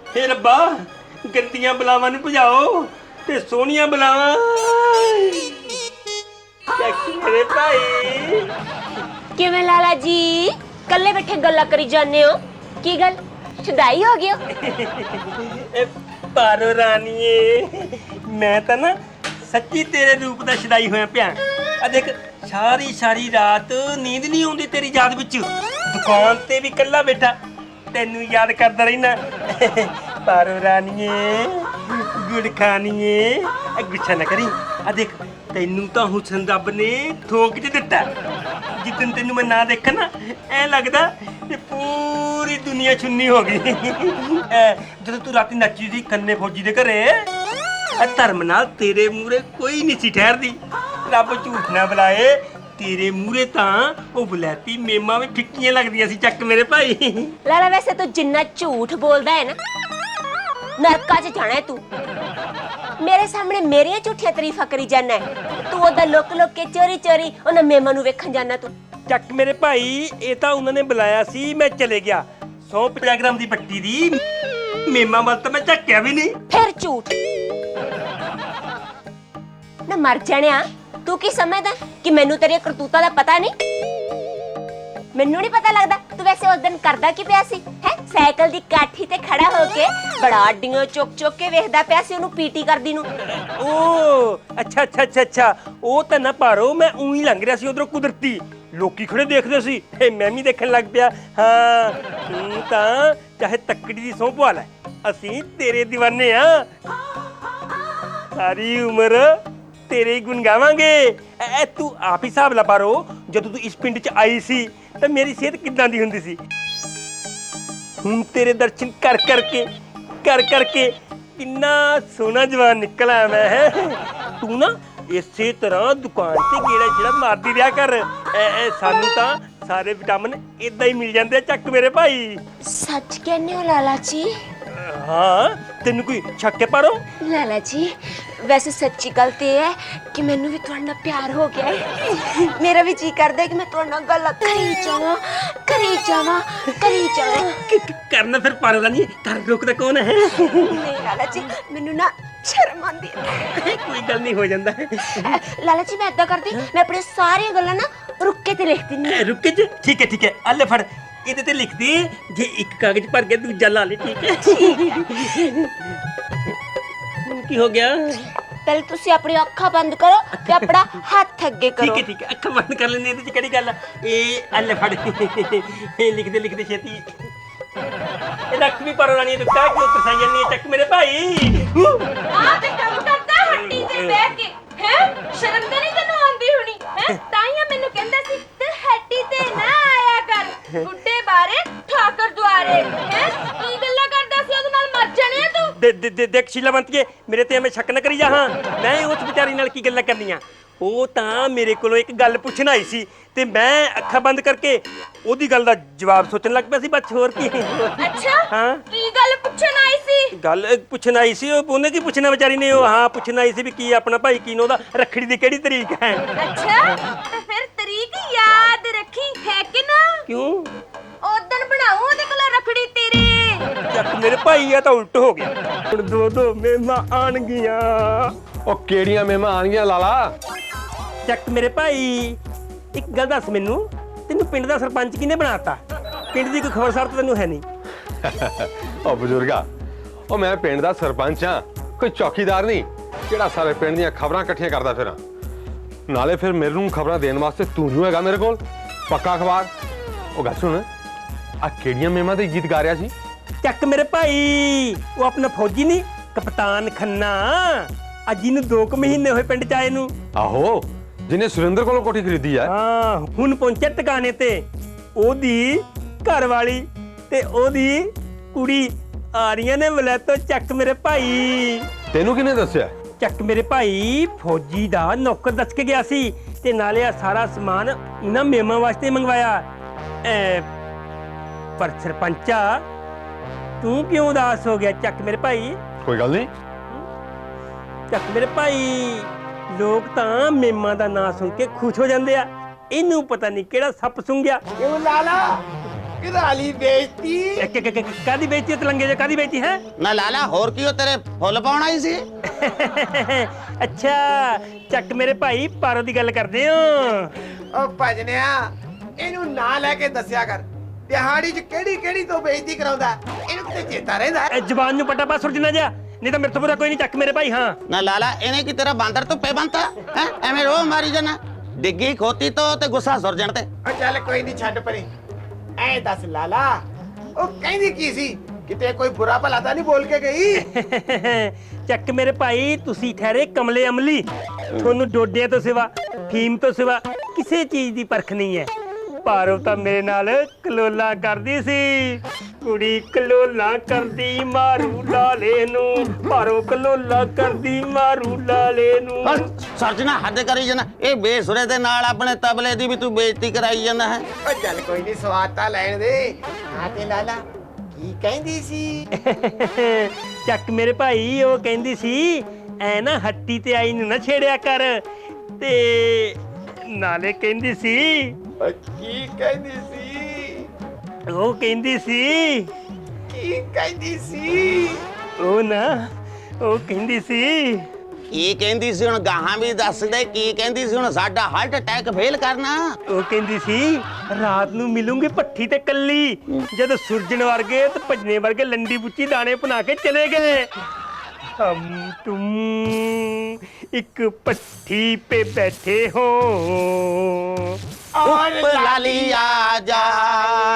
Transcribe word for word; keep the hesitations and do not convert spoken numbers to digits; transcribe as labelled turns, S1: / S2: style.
S1: हे रब्बा गंदियां बलावां नूं भजाओ ते सोहणियां बलावां मेरे भाई।
S2: किवें लाला जी कल्ले बैठे गल्ला करी जाने हो? की गल छदाई हो गया?
S1: पारो रानीए मैं तो ना सच्ची तेरे रूप दा छदाई होया पिया। आ देख सारी सारी रात नींद नहीं आउंदी तेरी याद विच, दुकान ते भी कल्ला बैठा तेनू याद करदा रहना। पारो रानीए गुड़ खानीए गुच्छा ना करी। आ देख तेनू तो हुसन रब ने थोक च दिता। जिदन तेनू मैं ना देखा ना ऐ लगदा कि पूरी दुनिया छुन्नी हो गई। जदों तू राती नच्ची सी कन्ने फौजी दे घरे धर्म नाल तेरे मूहरे कोई नहीं सी ठहरदी। रब झूठ ना बुलाए तेरे मूहरे तां ओ बुलैती मेमा भी फिक्कियां लगदियां सी। चक मेरे भाई।
S2: लाला वैसे तो जिन्ना झूठ बोलदा है ना नरका च जाना है तू। मेरे सामने मेरियां झूठियां तारीफां करी जाना है, तू ओदा लुक लुक के चोरी चोरी उन्हां मेमा नूं वेखण जाना तू।
S1: चक मेरे भाई ये तो उन्होंने बुलाया सी मैं चले गया। सौ पचास ग्राम की पट्टी दी मेमा वाल तो मैं झक्या भी नहीं।
S2: फिर झूठ ना मर जानिया। तू की समझदा कि मैनू तेरी करतूता दा पता नहीं? मैनू नहीं पता लगदा तू वैसे उस दिन करदा की पिया सी है? साइकिल दी काठी ते खड़ा होके बड़ा अड्डियां चुक चुक के वेखदा पिया सी ओनू पीटी करदी नू।
S1: ओ अच्छा अच्छा अच्छा अच्छा ओ तां ना पारो मैं उही लंघ रिहा सी उधरों कुदरती लोकी खड़े देखदे सी ते मैं भी देखण लग पिया। हाँ तू तां चाहे तकड़ी दी सौं पवा लै असीं तेरे दीवाने आ। सारी उम्र तेरे ही गुण गावांगे। ए तू आप ही हिसाब ला पारो जदों तू इस पिंड च आई सी तो मेरी सेहत किदां दी हुंदी सी। हुण तेरे दर्शन कर करके कर करके किन्ना सोहना जवान निकला मैं है। तू ना इसे तरह दुकान से गेड़ा जेड़ा मारदी रहा कर। ए, ए, सानू तां सारे विटामिन इदां ही मिल जांदे। चक मेरे भाई।
S2: सच कहने हो लाला जी?
S1: हाँ तेनू कोई शक है पारो?
S2: लाला जी वैसे सच्ची गल ते है कि मैनू भी तुहाडे नाल प्यार हो गया है। मेरा भी जी करदा है कि मैं तुहाडे नाल गल्लां करी जावां करी जावां करी जावां।
S1: करना फिर पारो रानी कर रोकदा कौन है?
S2: नहीं लाला जी मैनू ना शर्म आंदी है।
S1: कोई गल नहीं हो जांदा है।
S2: लाला जी मैं इदां करदी मैं अपनी सारी गल्लां ना रुक के ते लिख दिन्नी।
S1: रुक के ठीक है ठीक है अल्ले फड़ ਇਹਦੇ ਤੇ ਲਿਖ ਦੇ ਜੇ ਇੱਕ ਕਾਗਜ਼ ਭਰ ਕੇ ਦੂਜਾ ਲਾ ਲੈ। ਠੀਕ ਹੈ ਹੁਣ ਕੀ ਹੋ ਗਿਆ?
S2: पहले तुसी अपनी अखां बंद करो ते अपना हाथ अगे करो।
S1: ठीक है ठीक है अखां बंद कर लेने ਇਹਦੇ ਚ ਕਿਹੜੀ ਗੱਲ ਆ? ਇਹ ਅੱਲੇ ਫੜ ਇਹ ਲਿਖ ਦੇ ਲਿਖ ਦੇ ਛੇਤੀ। ਇਹ ਰੱਖ ਵੀ ਪਰ ਰਾਣੀ ਤੂੰ ਕਾਹ ਕਿਉਂ ਤਰਸਾਈ ਜਾਂਦੀ ਹੈ? ਚੱਕ ਮੇਰੇ ਭਾਈ
S3: ਆ ਤੇ ਕੰਮ ਕਰਦਾ ਹੱਟੀ ਤੇ ਬਹਿ ਕੇ ਹੈ ਸ਼ਰਮ ਤਾਂ ਨਹੀਂ ਤੈਨੂੰ ਆਉਂਦੀ ਹੋਣੀ ਹੈ? ਤਾਈਆਂ ਮੈਨੂੰ ਕਹਿੰਦਾ ਸੀ ਤੇ ਹੱਟੀ ਤੇ ਨਾ ਆਇਆ ਕਰ ਬੁੱਢੇ ਬਾਰੇ ਠਾਕਰ ਦੁਆਰੇ ਹੈ। ਕੀ ਗੱਲਾਂ ਕਰਦਾ ਸੀ ਉਹਦੇ ਨਾਲ ਮਰ ਜਾਣੇ ਤੂੰ।
S1: ਦੇ ਦੇ ਦੇਖ ਸ਼ੀਲਾਵੰਤੀਏ ਮੇਰੇ ਤੇ ਐਵੇਂ ਸ਼ੱਕ ਨਾ ਕਰੀ ਜਾ। ਹਾਂ ਮੈਂ ਉਸ ਵਿਚਾਰੀ ਨਾਲ ਕੀ ਗੱਲਾਂ ਕਰਨੀਆਂ। ਉਹ ਤਾਂ ਮੇਰੇ ਕੋਲੋਂ ਇੱਕ ਗੱਲ ਪੁੱਛਣ ਆਈ ਸੀ ਤੇ ਮੈਂ ਅੱਖਾਂ ਬੰਦ ਕਰਕੇ ਉਹਦੀ ਗੱਲ ਦਾ ਜਵਾਬ ਸੋਚਣ ਲੱਗ ਪਿਆ ਸੀ। ਬਸ ਹੋਰ ਕੀ।
S3: ਅੱਛਾ
S1: ਹਾਂ
S3: ਕੀ ਗੱਲ ਪੁੱਛਣ ਆਈ ਸੀ?
S1: ਗੱਲ ਪੁੱਛਣ ਆਈ ਸੀ ਉਹ ਉਹਨੇ ਕੀ ਪੁੱਛਣਾ ਵਿਚਾਰੀ ਨੇ। ਉਹ ਹਾਂ ਪੁੱਛਣ ਆਈ ਸੀ ਵੀ ਕੀ ਆਪਣਾ ਭਾਈ ਕੀ ਉਹਦਾ ਰੱਖੜੀ ਦੀ ਕਿਹੜੀ ਤਰੀਕ ਹੈ।
S3: ਅੱਛਾ ਤੇ ਫਿਰ ਤਰੀਕ ਯਾਦ ਰੱਖੀ ਹੈ ਕਿ ਨਾ?
S1: ਕਿਉਂ?
S3: ਉਦੋਂ ਬਣਾਉ ਉਹਦੇ ਕੋਲ ਰੱਖੜੀ ਤੇਰੀ।
S1: ਚੱਕ ਮੇਰੇ ਭਾਈ ਆ ਤਾਂ ਉਲਟ ਹੋ ਗਿਆ। ਹੁਣ ਦੋ ਦੋ ਮਹਿਮਾ ਆਣਗੀਆਂ।
S4: ਉਹ ਕਿਹੜੀਆਂ ਮਹਿਮਾ ਆਣਗੀਆਂ ਲਾਲਾ?
S1: ਚੱਕ ਮੇਰੇ ਭਾਈ ਇੱਕ ਗੱਲ ਦੱਸ ਮੈਨੂੰ ਤੈਨੂੰ ਪਿੰਡ ਦਾ ਸਰਪੰਚ ਕਿਹਨੇ ਬਣਾਤਾ? ਪਿੰਡ ਦੀ ਕੋਈ ਖਬਰਸਾਰ ਤਾਂ ਤੈਨੂੰ ਹੈ ਨਹੀਂ।
S4: ਉਹ ਬਜ਼ੁਰਗਾ ਉਹ ਮੈਂ ਪਿੰਡ ਦਾ ਸਰਪੰਚ ਆ ਕੋਈ ਚੌਕੀਦਾਰ ਨਹੀਂ ਜਿਹੜਾ ਸਾਰੇ ਪਿੰਡ ਦੀਆਂ ਖਬਰਾਂ ਇਕੱਠੀਆਂ ਕਰਦਾ ਫਿਰਾਂ। ਨਾਲੇ ਫਿਰ ਮੈਨੂੰ ਖਬਰਾਂ ਦੇਣ ਵਾਸਤੇ ਤੂੰ ਹੀ ਹੈਗਾ ਮੇਰੇ ਕੋਲ ਪੱਕਾ ਅਖਬਾਰ। ਉਹ ਗੱਲ ਸੁਣ ਆ ਕਿਹੜੀਆਂ ਮਹਿਮਾ ਦੇ ਗੀਤ ਗਾ ਰਿਹਾ ਸੀ?
S1: ਚੱਕ ਮੇਰੇ ਭਾਈ ਉਹ ਆਪਣਾ ਫੌਜੀ ਨਹੀਂ ਕਪਤਾਨ ਖੰਨਾ ਅੱਜ ਇਹਨੂੰ ਦੋ ਕੁ ਮਹੀਨੇ ਹੋਏ ਪਿੰਡ ਚ ਆਏ ਨੂੰ।
S4: ਆਹੋ ਜਿਹਨੇ ਸੁਰਿੰਦਰ ਕੋਲੋਂ ਕੋਠੀ ਖਰੀਦੀ ਆ।
S1: ਹਾਂ ਹੁਣ ਪਹੁੰਚਿਆ ਟਿਕਾਣੇ ਤੇ ਉਹਦੀ ਘਰ ਵਾਲੀ ਤੇ ਉਹਦੀ ਕੁੜੀ ਆ ਰਹੀਆਂ ਨੇ ਵਲੈਤੋਂ। ਚੱਕ ਮੇਰੇ ਭਾਈ।
S4: ਤੈਨੂੰ ਕਿਹਨੇ ਦੱਸਿਆ?
S1: ਚੱਕ ਮੇਰੇ ਭਾਈ ਫੌਜੀ ਦਾ ਨੌਕਰ ਦੱਸ ਕੇ ਗਿਆ ਸੀ ਤੇ ਨਾਲੇ ਆ ਸਾਰਾ ਸਮਾਨ ਇਹਨਾਂ ਮੇਮਾਂ ਵਾਸਤੇ ਮੰਗਵਾਇਆ। ਐ ਪਰ ਸਰਪੰਚਾ ਤੂੰ ਕਿਉਂ ਉਦਾਸ ਹੋ ਗਿਆ? ਚੱਕ ਮੇਰੇ ਭਾਈ।
S4: ਕੋਈ ਗੱਲ ਨਹੀਂ।
S1: ਚੱਕ ਮੇਰੇ ਭਾਈ ਲੋਕ ਤਾਂ ਮੇਮਾਂ ਦਾ ਨਾਂ ਸੁਣ ਕੇ ਖੁਸ਼ ਹੋ ਜਾਂਦੇ ਆ। ਇਹਨੂੰ ਪਤਾ ਨਹੀਂ ਕਿਹੜਾ ਸੱਪ ਸੁੰਘਿਆ।
S5: ਕਿਉਂ ਲਾਲਾ ਕਰਾ ਲਈ ਬੇਇੱਜ਼ਤੀ।
S1: ਇੱਕ ਇੱਕ ਇੱਕ ਕਾਦੀ ਬੇਇੱਜ਼ਤੀ ਤੇ ਲੰਗੇ ਜੇ ਕਾਦੀ ਬੇਇੱਜ਼ਤੀ ਹੈ?
S6: ਨਾ ਲਾਲਾ ਹੋਰ ਕੀ ਉਹ ਤੇਰੇ ਫੁੱਲ ਪਾਉਣ ਆਈ ਸੀ?
S1: ਅੱਛਾ ਚੱਕ ਮੇਰੇ ਭਾਈ ਪਾਰੋ ਦੀ ਗੱਲ ਕਰਦੇ ਹੋ।
S5: ਓ ਭਜਨਿਆ ਇਹਨੂੰ ਨਾ ਲੈ ਕੇ ਦੱਸਿਆ ਕਰ ਦਿਹਾੜੀ 'ਚ ਕਿਹੜੀ ਕਿਹੜੀ ਤੋਂ ਬੇਇੱਜ਼ਤੀ ਕਰਾਉਂਦਾ ਇਹਨੂੰ ਕਿਤੇ ਚੇਤਾ ਰਹਿੰਦਾ।
S1: ਇਹ ਜ਼ਬਾਨ ਨੂੰ ਪਟਾ ਪਾ ਸੁਰਜਣਾ ਜਾ, ਨਹੀਂ ਤਾਂ ਮੇਰੇ ਤੋਂ ਬੁਰਾ ਕੋਈ ਨਹੀਂ। ਚੱਕ ਮੇਰੇ ਭਾਈ। ਹਾਂ
S6: ਨਾ ਲਾਲਾ ਇਹਨੇ ਕੀ ਤੇਰਾ ਬਾਂਦਰ ਧੁੱਪੇ ਬੰਨਤਾ ਹੈ? ਐਵੇਂ ਰੋ ਮਾਰੀ ਜਾਣਾ ਡਿੱਗੀ ਖੋਤੀ ਤੋਂ ਤੇ ਗੁੱਸਾ ਸੁਰਜਣ ਤੇ।
S5: ਓ ਚੱਲ ਕੋਈ ਨਹੀਂ ਛੱਡ ਪਰੇ। ਐ ਦੱਸ ਲਾਲਾ ਉਹ ਕਹਿੰਦੀ ਕੀ ਸੀ? ਕਿਤੇ ਕੋਈ ਬੁਰਾ ਭਲਾ ਤਾਂ ਨਹੀਂ ਬੋਲ ਕੇ ਗਈ?
S1: ਚੱਕ ਮੇਰੇ ਭਾਈ ਤੁਸੀਂ ਠਹਿਰੇ ਕਮਲੇ ਅਮਲੀ। ਤੁਹਾਨੂੰ ਡੋਡਿਆਂ ਤੋਂ ਸਿਵਾ ਫੀਮ ਤੋਂ ਸਿਵਾ ਕਿਸੇ ਚੀਜ਼ ਦੀ ਪਰਖ ਨਹੀਂ ਹੈ। ਪਾਰੋ ਤਾਂ ਮੇਰੇ ਨਾਲ ਕਲੋਲਾ ਕਰਦੀ ਸੀ। ਕੁੜੀ ਕਲੋਲਾ ਕਰਦੀ ਮਾਰੂ ਲਾਲੇ ਨੂੰ, ਪਾਰੋ ਕਲੋਲਾ ਕਰਦੀ ਮਾਰੂ ਲਾਲੇ ਨੂੰ।
S6: ਸਰਜਣਾ ਹੱਦ ਕਰੀ ਜਾਣਾ। ਇਹ ਬੇਸੁਰੇ ਦੇ ਨਾਲ ਆਪਣੇ ਤਬਲੇ ਦੀ ਵੀ ਤੂੰ ਬੇਇੱਜ਼ਤੀ ਕਰਾਈ ਜਾਂਦਾ ਹੈ।
S5: ਓ ਚੱਲ ਕੋਈ ਨਹੀਂ ਸਵਾਦ ਤਾਂ ਲੈਣ ਦੇ। ਹਾਂ ਤੇ ਲਾਲਾ ਕੀ ਕਹਿੰਦੀ ਸੀ?
S1: ਚੱਕ ਮੇਰੇ ਭਾਈ ਉਹ ਕਹਿੰਦੀ ਸੀ ਐ ਨਾ ਹੱਟੀ ਤੇ ਆਈ ਨੂੰ ਨਾ ਛੇੜਿਆ ਕਰ, ਤੇ ਨਾਲੇ ਕਹਿੰਦੀ ਸੀ
S5: ਓ ਕੀ ਕਹਿੰਦੀ ਸੀ?
S1: ਉਹ ਕਹਿੰਦੀ ਸੀ
S5: ਕੀ ਕਹਿੰਦੀ ਸੀ?
S1: ਉਹ ਨਾ ਉਹ ਕਹਿੰਦੀ ਸੀ
S6: ਕੀ ਕਹਿੰਦੀ ਸੀ? ਹੁਣ ਗਾਹਾਂ ਵੀ ਦੱਸ ਦੇ ਕੀ ਕਹਿੰਦੀ ਸੀ? ਹੁਣ ਸਾਡਾ ਹਾਰਟ ਅਟੈਕ ਫੇਲ ਕਰਨਾ।
S1: ਉਹ ਕਹਿੰਦੀ ਸੀ ਰਾਤ ਨੂੰ ਮਿਲੂੰਗੀ ਭੱਠੀ ਤੇ ਕੱਲੀ, ਜਦ ਸੁਰਜਣ ਵਰਗੇ ਤੇ ਭਜਨੇ ਵਰਗੇ ਲੰਡੀ ਬੁੱਚੀ ਦਾਣੇ ਬਣਾ ਕੇ ਚਲੇ ਗਏ। हम तुम एक पट्टी पे बैठे हो
S5: और
S6: लाली आजा